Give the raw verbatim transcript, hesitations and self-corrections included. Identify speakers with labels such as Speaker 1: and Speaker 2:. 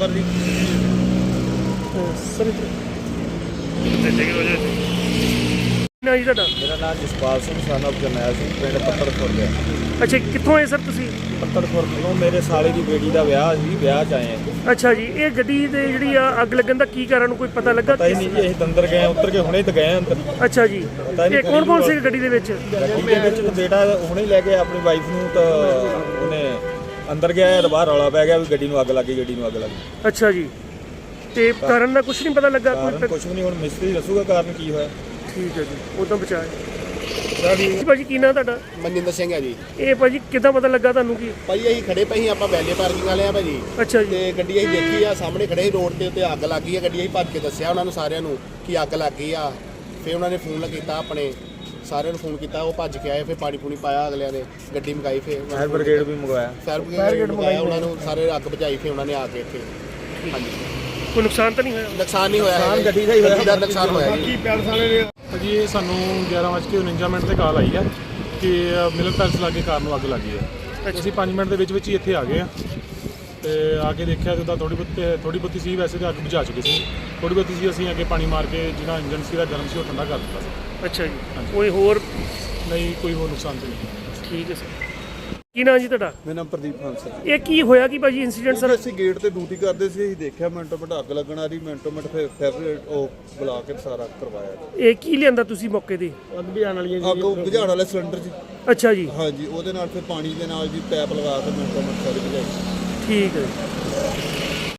Speaker 1: Number ਜੀ
Speaker 2: sir ਨਾ ਜੀ ਤੁਹਾਡਾ?
Speaker 1: ਮੇਰਾ ਨਾਮ ਜਸਪਾਲ ਸਿੰਘ son of ਜਰਨੈਲ ਸਿੰਘ, ਪਿੰਡ ਪੱਤੜ ਖੁਰਦ ਹੈ।
Speaker 2: ਅੱਛਾ, ਕਿੱਥੋਂ ਆਏ ਸਰ ਤੁਸੀਂ?
Speaker 1: ਪੱਤੜ ਖੁਰਦ ਤੋਂ ਮੇਰੇ ਸਾਲੇ ਦੀ ਬੇਟੀ ਦਾ ਵਿਆਹ ਸੀ, ਵਿਆਹ 'ਚ ਆਏ ਹਾਂ।
Speaker 2: ਅੱਛਾ ਜੀ, ਇਹ ਗੱਡੀ ਦੇ ਜਿਹੜੀ ਆ ਅੱਗ ਲੱਗਣ ਦਾ ਕੀ ਕਾਰਨ ਕੋਈ ਪਤਾ ਲੱਗਾ?
Speaker 1: ਪਤਾ ਹੀ ਨਹੀਂ ਜੀ, ਅਸੀਂ ਅੰਦਰ ਗਏ, ਉੱਤਰ ਕੇ ਹੁਣੇ ਤਾਂ ਗਏ ਅੰਦਰ।
Speaker 2: ਅੱਛਾ ਜੀ, ਇਹ ਕੌਣ ਕੌਣ ਸੀ ਗੱਡੀ ਦੇ ਵਿੱਚ?
Speaker 1: ਗੱਡੀ ਦੇ ਵਿੱਚ ਤਾਂ ਬੇਟਾ ਹੁਣੇ ਲੈ ਕੇ ਆਪਣੀ ਵਾਈਫ ਨੂੰ, ਤਾਂ ਉਹਨੇ ਅੰਦਰ ਗਿਆ ਤਾਂ ਬਾਹਰ ਰੌਲਾ ਪੈ ਗਿਆ ਵੀ ਗੱਡੀ ਨੂੰ ਅੱਗ ਲੱਗੀ, ਗੱਡੀ ਨੂੰ ਅੱਗ ਲੱਗੀ।
Speaker 2: ਅੱਛਾ ਜੀ, ਤੇ ਕਾਰਨ ਦਾ ਕੁਝ ਨਹੀਂ ਪਤਾ ਲੱਗਾ?
Speaker 1: ਕਾਰਨ ਕੁਝ ਵੀ ਨਹੀਂ, ਹੁਣ ਮਿਸਤਰੀ ਦੱਸੂਗਾ ਕਾਰਨ ਕੀ ਹੋਇਆ।
Speaker 2: ਠੀਕ ਹੈ ਜੀ, ਉਹ ਤਾਂ ਬਚਾਇਆ ਜੀ। ਭਾਜੀ ਕੀ ਨਾਂ ਤੁਹਾਡਾ?
Speaker 3: ਮਨਜਿੰਦਰ ਸਿੰਘ ਹੈ ਜੀ।
Speaker 2: ਇਹ ਭਾਜੀ ਕਿੱਦਾਂ ਪਤਾ ਲੱਗਾ ਤੁਹਾਨੂੰ? ਕੀ
Speaker 3: ਭਾਜੀ ਅਸੀਂ ਖੜੇ ਪਏ ਸੀ, ਆਪਾਂ ਵੈਲੇ ਪਾਰਕਿੰਗ ਵਾਲੇ ਆ ਭਾਜੀ।
Speaker 2: ਅੱਛਾ ਜੀ।
Speaker 3: ਤੇ ਗੱਡੀ ਅਸੀਂ ਦੇਖੀ ਆ, ਸਾਹਮਣੇ ਖੜੇ ਸੀ ਰੋਡ ਤੇ, ਉੱਤੇ ਅੱਗ ਲੱਗ ਗਈ ਆ। ਗੱਡੀ ਅਸੀਂ ਭੱਜ ਕੇ ਦੱਸਿਆ ਉਹਨਾਂ ਨੂੰ, ਸਾਰਿਆਂ ਨੂੰ ਕਿ ਅੱਗ ਲੱਗ ਗਈ ਆ। ਫਿਰ ਉਹਨਾਂ ਨੇ ਫੋਨ ਕੀਤਾ, ਆਪਣੇ ਸਾਰਿਆਂ ਨੂੰ ਫੋਨ ਕੀਤਾ, ਉਹ ਭੱਜ ਕੇ ਆਏ। ਫਿਰ ਪਾਣੀ ਪੂਣੀ ਪਾਇਆ ਅਗਲਿਆਂ ਨੇ, ਗੱਡੀ ਮੰਗਾਈ। ਫਿਰ
Speaker 1: ਫਾਇਰ ਬ੍ਰਿਗੇਡ ਵੀ ਮੰਗਵਾਇਆ,
Speaker 3: ਫਾਇਰ ਬ੍ਰਿਗੇਡ ਮੰਗਾਇਆ ਉਹਨਾਂ ਨੂੰ, ਸਾਰੇ ਅੱਗ ਬੁਝਾਈ। ਫਿਰ ਉਹਨਾਂ ਨੇ ਆ ਕੇ ਇੱਥੇ। ਹਾਂਜੀ,
Speaker 2: ਕੋਈ ਨੁਕਸਾਨ ਤਾਂ ਨਹੀਂ ਹੋਇਆ?
Speaker 3: ਨੁਕਸਾਨ ਨਹੀਂ ਹੋਇਆ,
Speaker 1: ਨੁਕਸਾਨ ਗੱਡੀ ਦਾ ਹੀ ਹੋਇਆ,
Speaker 3: ਗੱਡੀ ਦਾ ਨੁਕਸਾਨ ਹੋਇਆ ਜੀ।
Speaker 4: ਜੀ ਇਹ ਸਾਨੂੰ ਗਿਆਰਾਂ ਵੱਜ ਕੇ ਉਣੰਜਾ ਮਿੰਟ ਤੇ ਕਾਲ ਆਈ ਹੈ ਕਿ ਮਿਲਨ ਪੈਲਸ ਲਾਗੇ ਕਾਰ ਨੂੰ ਅੱਗ ਲੱਗੀ ਹੈ। ਅਸੀਂ ਪੰਜ ਮਿੰਟ ਦੇ ਵਿੱਚ ਵਿੱਚ ਹੀ ਇੱਥੇ ਆ ਗਏ ਆ ਤੇ ਆ ਕੇ ਦੇਖਿਆ ਜਿੱਦਾਂ ਥੋੜੀ ਬਹੁਤੀ ਥੋੜੀ ਬਹੁਤੀ ਸੀ, ਵੈਸੇ ਤਾਂ ਅੱਗ ਬੁਝਾ ਚੁੱਕੀ ਸੀ। ਥੋੜੀ ਬਹੁਤੀ ਸੀ, ਅਸੀਂ ਅੱਗੇ ਪਾਣੀ ਮਾਰ ਕੇ ਜਿਹੜਾ ਇੰਜਨ ਸੀ ਦਾ ਗਰਮ ਸੀ ਉਹ ਠੰਡਾ ਕਰ ਦਿੱਤਾ ਸੀ।
Speaker 2: ਅੱਛਾ ਜੀ, ਕੋਈ ਹੋਰ?
Speaker 4: ਨਹੀਂ, ਕੋਈ ਹੋਰ ਨੁਕਸਾਨ ਤਾਂ ਨਹੀਂ।
Speaker 2: ਠੀਕ ਹੈ ਸਰ। ਕੀ ਨਾਂ ਜੀ ਤੁਹਾਡਾ?
Speaker 5: ਮੇਰਾ ਨਾਮ ਪ੍ਰਦੀਪ ਹੰਸ ਹੈ।
Speaker 2: ਇਹ ਕੀ ਹੋਇਆ ਕੀ ਭਾਜੀ ਇੰਸੀਡੈਂਟ ਸਰ?
Speaker 5: ਅਸੀਂ ਗੇਟ ਤੇ ਡਿਊਟੀ ਕਰਦੇ ਸੀ, ਅਸੀਂ ਦੇਖਿਆ ਮਿੰਟੋ ਮਿੰਟ ਅੱਗ ਲੱਗਣ ਆ ਰਹੀ, ਮਿੰਟੋ ਮਿੰਟ ਫਿਰ ਫਿਰ ਉਹ ਬੁਲਾ ਕੇ ਸਾਰਾ ਕਰਵਾਇਆ।
Speaker 2: ਇਹ ਕੀ ਲਿਆਂਦਾ ਤੁਸੀਂ ਮੌਕੇ ਤੇ?
Speaker 5: ਅੱਗ ਬੁਝਾਉਣ ਵਾਲੀ ਅੱਗ ਬੁਝਾਉਣ ਵਾਲੇ ਸਿਲੰਡਰ ਜੀ।
Speaker 2: ਅੱਛਾ ਜੀ।
Speaker 5: ਹਾਂਜੀ, ਉਹਦੇ ਨਾਲ ਫਿਰ ਪਾਣੀ ਦੇ ਨਾਲ ਜੀ ਪੈਪ ਲਗਾ ਕੇ ਮਿੰਟੋ ਮਿੰਟ ਸਾਰੀ ਬੁਝਾਈ।
Speaker 2: ਠੀਕ ਹੈ।